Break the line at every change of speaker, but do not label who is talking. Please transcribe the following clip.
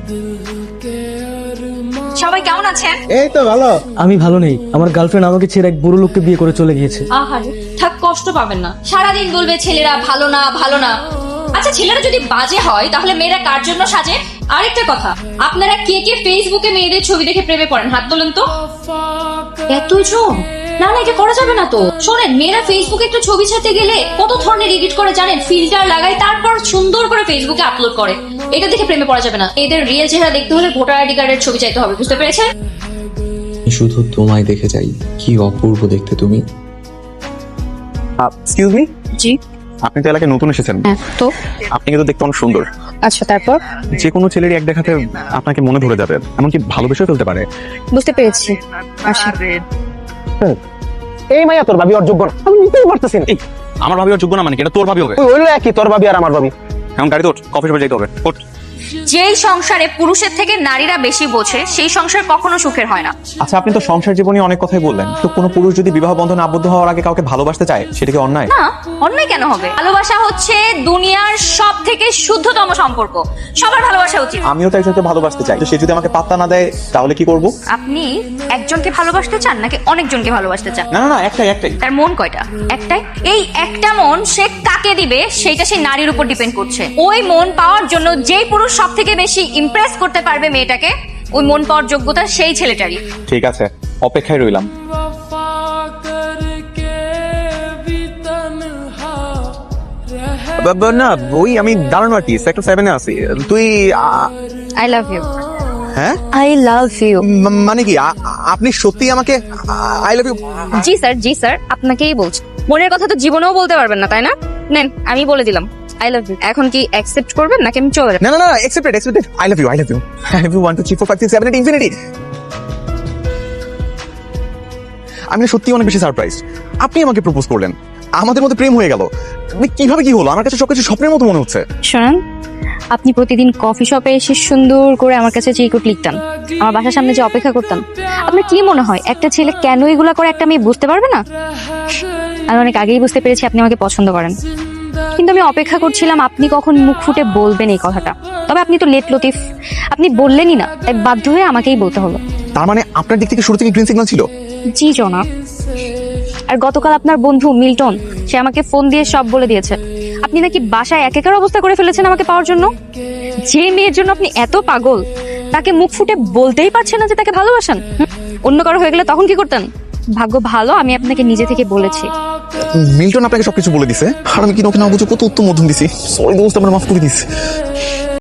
সবাই কেমন আছেন?
এই তো ভালো।
আমি ভালো নেই, আমার গার্লফ্রেন্ড আমাকে ছেড়ে এক বুড়ো লোককে বিয়ে করে চলে গিয়েছে।
আহারে, থাক, কষ্ট পাবেন না। সারাদিন বলবে ছেলেরা ভালো না ভালো না। আচ্ছা, ছেলেরা যদি বাজে হয় তাহলে মেয়েরা কার জন্য সাজে? আরেকটা কথা, আপনারা কে কে ফেসবুকে মেয়েদের ছবি দেখে প্রেমে পড়েন? হাত তোলেন তো। এতজন? না না, এটা করা যাবে না তো। শোনেন, মেয়েরা ফেসবুকে একটু ছবি ছাড়তে গেলে কত ধরনের এডিট করে জানেন? ফিল্টার লাগায়, তারপর সুন্দর করে ফেসবুকে আপলোড করে। এটা দেখে প্রেমে পড়া যাবে না। এদের রিয়েল চেহারা দেখতে হলে ভোটার আইডি কার্ডের ছবি চাইতে হবে, বুঝতে পেরেছেন?
শুধু তোমায় দেখে যাই, কি অপূর্ব দেখতে তুমি।
এক্সকিউজ মি,
জি।
আপনি তো এলাকায় নতুন এসেছেন।
হ্যাঁ, তো
আপনি কিন্তু দেখতে অনেক সুন্দর।
আচ্ছা, তারপর?
যে কোনো ছেলেরই এক দেখাতে আপনাকে মনে ধরে যাবে, এমনকি ভালোবেসেও ফেলতে পারে।
বুঝতে পেরেছি। আচ্ছা,
এই মাইয়া তোর ভাবি ওর যোগ্য না, আমি নিতেই পারতেছি না।
এই, আমার ভাবি ওর যোগ্য না মানে কি? এটা তোর ভাবি হবে।
ওই হইলো একই, তোর ভাবি আর আমার ভাবি।
এখন গাড়িতে ওঠ, কফি শপে যেতে হবে। ওঠ।
যেই সংসারে পুরুষের থেকে নারীরা বেশি বোঝে সেই সংসার কখনো সুখের হয় না।
আচ্ছা, আপনি তো সংসার জীবনে অনেক কথাই বললেন, তো কোনো পুরুষ যদি বিবাহ বন্ধনে আবদ্ধ হওয়ার আগে কাউকে ভালোবাসতে চায়, সেটা কি অন্যায়?
না, অন্যায় কেন হবে? ভালোবাসা হচ্ছে দুনিয়ার সব থেকে শুদ্ধতম সম্পর্ক। সবার ভালোবাসা উচিত।
আমিও তো একজনকে ভালোবাসতে চাই, তো সে যদি আমাকে পাত্তা না দেয় তাহলে কি করব?
আপনি একজনকে ভালোবাসতে চান নাকি অনেকজনকে ভালোবাসতে চান?
না না না, একটাই।
তার মন কয়টা? একটাই। এই একটা মন সে কাকে দিবে সেটা সেই নারীর উপর ডিপেন্ড করছে। ওই মন পাওয়ার জন্য যেই পুরুষ সব থেকে বেশি ইমপ্রেস করতে পারবে মেয়েটাকে, ওই মন পাওয়ার যোগ্যতা সেই ছেলেটারই।
ঠিক আছে, অপেক্ষায় রইলাম। না, ওই আমি দারুণ আর্টিস্ট, সেক্টর 7 এ আছি। তুই
আই লাভ ইউ।
হ্যাঁ,
আই লাভ ইউ।
মানে কি আপনি সত্যি আমাকে আই লাভ ইউ?
জি স্যার, জি স্যার, আপনাকেই বলছি। মনের কথা তো জীবনেও বলতে পারবেন না, তাই না? নেন, আমি বলে দিলাম আই লাভ ইউ। এখন কি অ্যাকসেপ্ট করবেন নাকি আমি চলে যাব?
না না না, accepted. I love you. I love you 1 2 3 4 5 6 7 8 infinity. আমি সত্যি অনেক বেশি সারপ্রাইজ। আপনি আমাকে প্রপোজ করলেন, আমাদের মধ্যে প্রেম হয়ে গেল। কিভাবে কি হলো? আমার কাছে সবকিছু স্বপ্নের মতো মনে হচ্ছে।
শোনেন, আপনি প্রতিদিন কফি শপে এসে সুন্দর করে আমার কাছে চিরকুট লিখতেন, আমার বাসার সামনে যে অপেক্ষা করতেন। আপনার কি মনে হয় একটা ছেলে কেন এগুলা করে একটা মেয়ে বুঝতে পারবে না? আমি অনেক আগেই বুঝতে পেরেছি আপনি আমাকে পছন্দ করেন, কিন্তু আমি অপেক্ষা করছিলাম আপনি কখন মুখ ফুটে বলবেন এই কথাটা। তবে আপনি তো লেট লতিফ, আপনি বললেনই না, তাই বাধ্য হয়ে আমাকেই বলতে হলো।
তার মানে আপনার দিক থেকে শুরু থেকে গ্রিন সিগন্যাল ছিল?
জি জনাব। আর গতকাল আপনার বন্ধু মিল্টন, সে আমাকে ফোন দিয়ে সব বলে দিয়েছে। আপনি নাকি বাসায় একাকার অবস্থা করে ফেলেছেন আমাকে পাওয়ার জন্য। যে মেয়ের জন্য আপনি এত পাগল, তাকে মুখ ফুটে বলতেই পারছেন না যে তাকে ভালোবাসেন। অন্য কারো হয়ে গেলে তখন কি করতেন? ভাগ্য ভালো আমি আপনাকে নিজে থেকে বলেছি।
মিল্টন আপনাকে সবকিছু বলে দিছে, আর আমি কি ওকে না বুঝে কত উত্তম মধ্যম দিছি। সরি দোস্ত, আমার মাফ করে দিস।